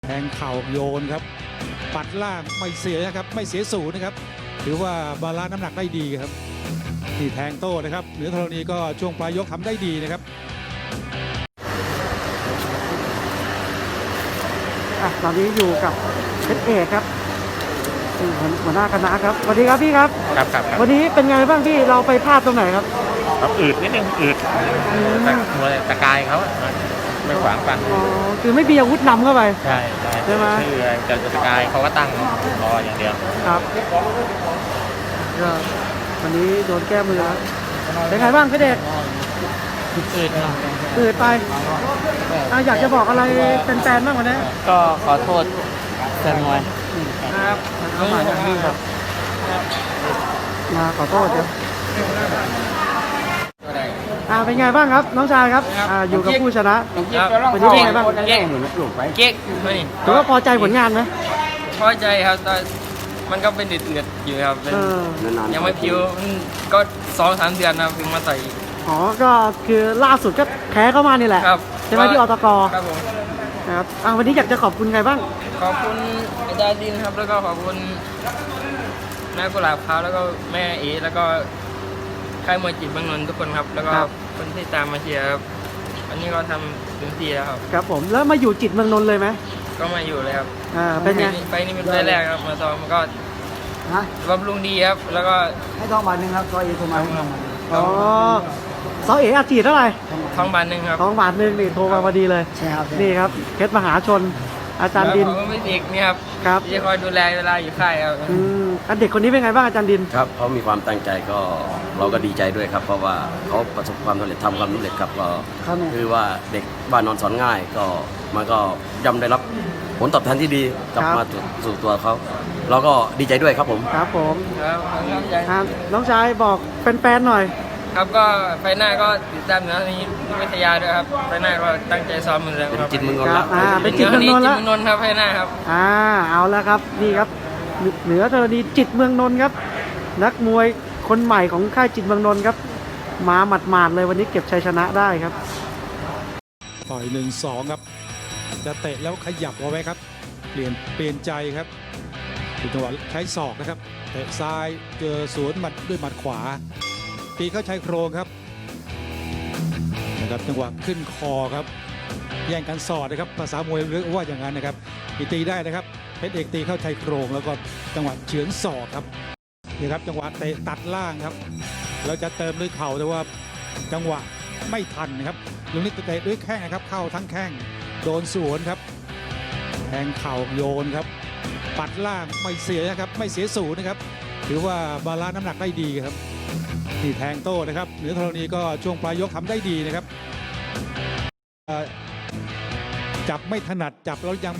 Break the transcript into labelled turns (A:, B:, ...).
A: แทงเข่าโยนครับปัดล่างไม่เสียนะครับไม่เสียศูนย์นะครับถือว่าบาลานซ์น้ำหนักได้ดีครับที่แทงโต้นะครับเหนือธรณีก็ช่วงปลายยกทำได้ดีนะครับ
B: ตอนนี้อยู่กับเพชรเอกครับหัวหน้าคณะครับสวัสดีครับพี่ครับ
C: ครับ
B: วันนี้เป็นไงบ้างพี่เราไปพลาดตรงไหนครับ
C: อืดนิดนึงอืดมวยตะกายเขาไม่ขวางฟัน
B: คือไม่มีอาวุธนำเข้าไป
C: ใช่ไหมคือจะตะกายเขาก็ตั้งรออย่างเดียว
B: ครับก็วันนี้โดนแก้มือแล้วเป็นไงบ้างเพชรเอกอืดไปอยากจะบอกอะไรแฟนๆบ้างวันนี้
D: ก็ขอโทษแฟนมวย
B: ครับเข้ามาอย่างนี้ครับมาขอโทษครับเป็นไงบ้างครับน้องชายครับอยู่กับผู้ชนะวันนี้เป็นไงบ้าง
D: เก๊ก
B: ถือว่าพอใจผลงานไหม
D: พอใจครับแต่มันก็เป็นเดือดอยู่ครับยังไม่พิ้วก็2-3 เดือนนะถึงมาต่อย
B: ก็คือล่าสุดก็แพ้เข้ามานี่แหละใช่ไหมที่อตก
D: ครับผม
B: ครับวันนี้อยากจะขอบคุณใครบ้าง
D: ขอบคุณอาจารย์ดินครับแล้วก็ขอบคุณนายกุหลาบขาวแล้วก็แม่เอแล้วก็ค่ายมวยจิตเมืองนนท์ทุกคนครับแล้วก็คนที่ตามมาเชียร์ครับวันนี้ก็ทำเต็มที่แล้วครับ
B: ครับผมแล้วมาอยู่จิตเมืองนนท์เลยไหม
D: ก็มาอยู่เลยครับ
B: เป็นไง
D: ไปนี่เป็นไปแรกครับมาซ้อมก็บำรุงดีครับแล้วก็
B: ให้ทองบาทนึงครับซอเอโทรมาซอเออาจีเท่าไหร่
D: ทองบาทนึงครับ
B: ทองบาทนึงนี่โทรมาพอดีเลย
D: ใช่ครับ
B: นี่ครับเพชรมหาชนอาจารย์ดิน
D: ผมไม่เด็กนี่
B: ครับ
D: จะคอยดูแลเวลาอยู่ค่ายครับ
B: เด็กคนนี้เป็นไงบ้างอาจารย์ดิน
E: ครับเขามีความตั้งใจก็เราก็ดีใจด้วยครับเพราะว่าเขาประสบความสำเร็จทำความสำเร็จครับก็คือว่าเด็กบ้านนอนสอนง่ายก็มันก็ย่อมได้รับผลตอบแทนที่ดีกลับมาสู่ตัวเขาเราก็ดีใจด้วยครับผม
B: ครับผม
D: ครับ
B: น้องชายบอกแฟนๆหน่อย
D: ครับก็ไฟหน้าก็ติดตามนะนี้วิทยาด้วยครับไฟหน้าก็ตั้งใจซ้อมเหมือนเดิมครับ
E: จิตเมืองนนท์แล้ว
B: เป็นจิตเมืองนนท์แล้ว
D: ครับไฟหน้าครับ
B: เอาแล้วครับนี่ครับเหนือธรณีจิตเมืองนนท์ครับนักมวยคนใหม่ของค่ายจิตเมืองนนท์ครับมาหมาดๆเลยวันนี้เก็บชัยชนะได้ครับ
A: ต่อย1-2ครับจะเตะแล้วขยับเอาไว้ครับเปลี่ยนใจครับจังหวะใช้ศอกนะครับเตะซ้ายเจอสวนหมัดด้วยหมัดขวาตีเข้าชายโครงครับนะครับจังหวะขึ้นคอครับแย่งกันสอดนะครับภาษามวยเรียกว่าอย่างนั้นนะครับตีได้นะครับเพชรเอกตีเข้าชายโครงแล้วก็จังหวะเฉือนศอกครับนี่ครับจังหวะเตะตัดล่างครับเราจะเติมด้วยเข่าแต่ว่าจังหวะไม่ทันนะครับลุงนิดเตะด้วยแข้งนะครับเข้าทั้งแข้งโดนสวนครับแทงเข่าโยนครับปัดล่างไม่เสียนะครับไม่เสียศูนย์นะครับถือว่าบาลานซ์น้ำหนักได้ดีครับที่แทงโต้นะครับเหนือธรณีก็ช่วงปลายยกทำได้ดีนะครับจับไม่ถนัดจับแล้วยัง